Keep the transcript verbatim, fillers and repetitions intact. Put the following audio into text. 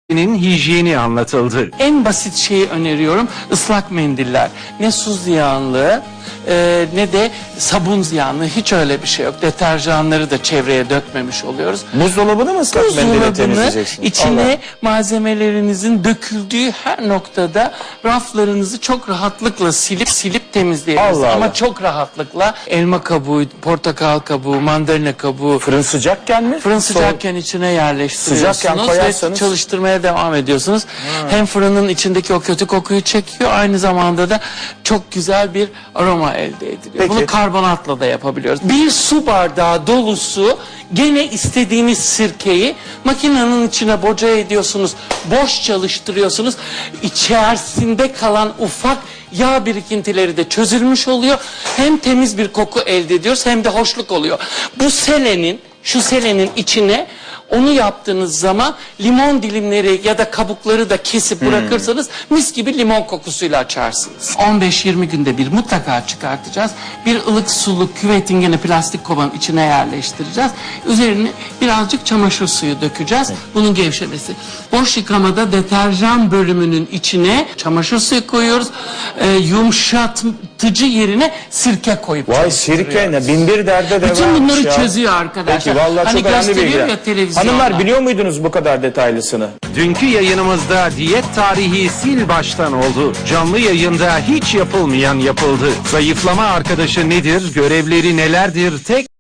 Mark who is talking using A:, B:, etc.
A: hijyeni anlatıldı.
B: En basit şeyi öneriyorum, ıslak mendiller. Ne su ziyanlığı e, ne de sabun ziyanlığı, hiç öyle bir şey yok. Deterjanları da çevreye dökmemiş oluyoruz.
C: Buzdolabını mı ıslak mendille
B: Buzdolabını
C: temizleyeceksin?
B: içine
C: Allah.
B: malzemelerinizin döküldüğü her noktada raflarınızı çok rahatlıkla silip silip temizleyebilirsiniz.
C: Allah
B: Ama
C: Allah.
B: çok rahatlıkla elma kabuğu, portakal kabuğu, mandalina kabuğu,
C: Fırın sıcakken mi?
B: fırın
C: Soğuk.
B: sıcakken içine yerleştiriyorsunuz
C: Sıcakken
B: ve
C: koyarsanız-
B: çalıştırmaya devam ediyorsunuz. Hem fırının içindeki o kötü kokuyu çekiyor, aynı zamanda da çok güzel bir aroma elde ediliyor.
C: Peki.
B: Bunu karbonatla da yapabiliyoruz. Bir su bardağı dolusu gene istediğiniz sirkeyi makinenin içine boca ediyorsunuz, boş çalıştırıyorsunuz. İçerisinde kalan ufak yağ birikintileri de çözülmüş oluyor. Hem temiz bir koku elde ediyoruz hem de hoşluk oluyor. Bu selenin, şu selenin içine onu yaptığınız zaman limon dilimleri ya da kabukları da kesip bırakırsanız mis gibi limon kokusuyla açarsınız. on beş yirmi günde bir mutlaka çıkartacağız. Bir ılık sulu küvetin gene plastik kovanın içine yerleştireceğiz. Üzerine birazcık çamaşır suyu dökeceğiz. Bunun gevşemesi. Boş yıkamada deterjan bölümünün içine çamaşır suyu koyuyoruz. Ee, yumuşatıcı yerine sirke koyup
C: Vay
B: çalıştırıyoruz.
C: sirke ne? Bin bir derde de
B: Bütün
C: varmış
B: bunları
C: ya.
B: çözüyor arkadaşlar.
C: Peki vallahi
B: Hani
C: çok önemli
B: gösteriyor
C: bilgiler.
B: ya televizyonda.
C: Hanımlar biliyor muydunuz bu kadar detaylısını?
A: Dünkü yayınımızda diyet tarihi sil baştan oldu. Canlı yayında hiç yapılmayan yapıldı. Zayıflama arkadaşı nedir, görevleri nelerdir, tek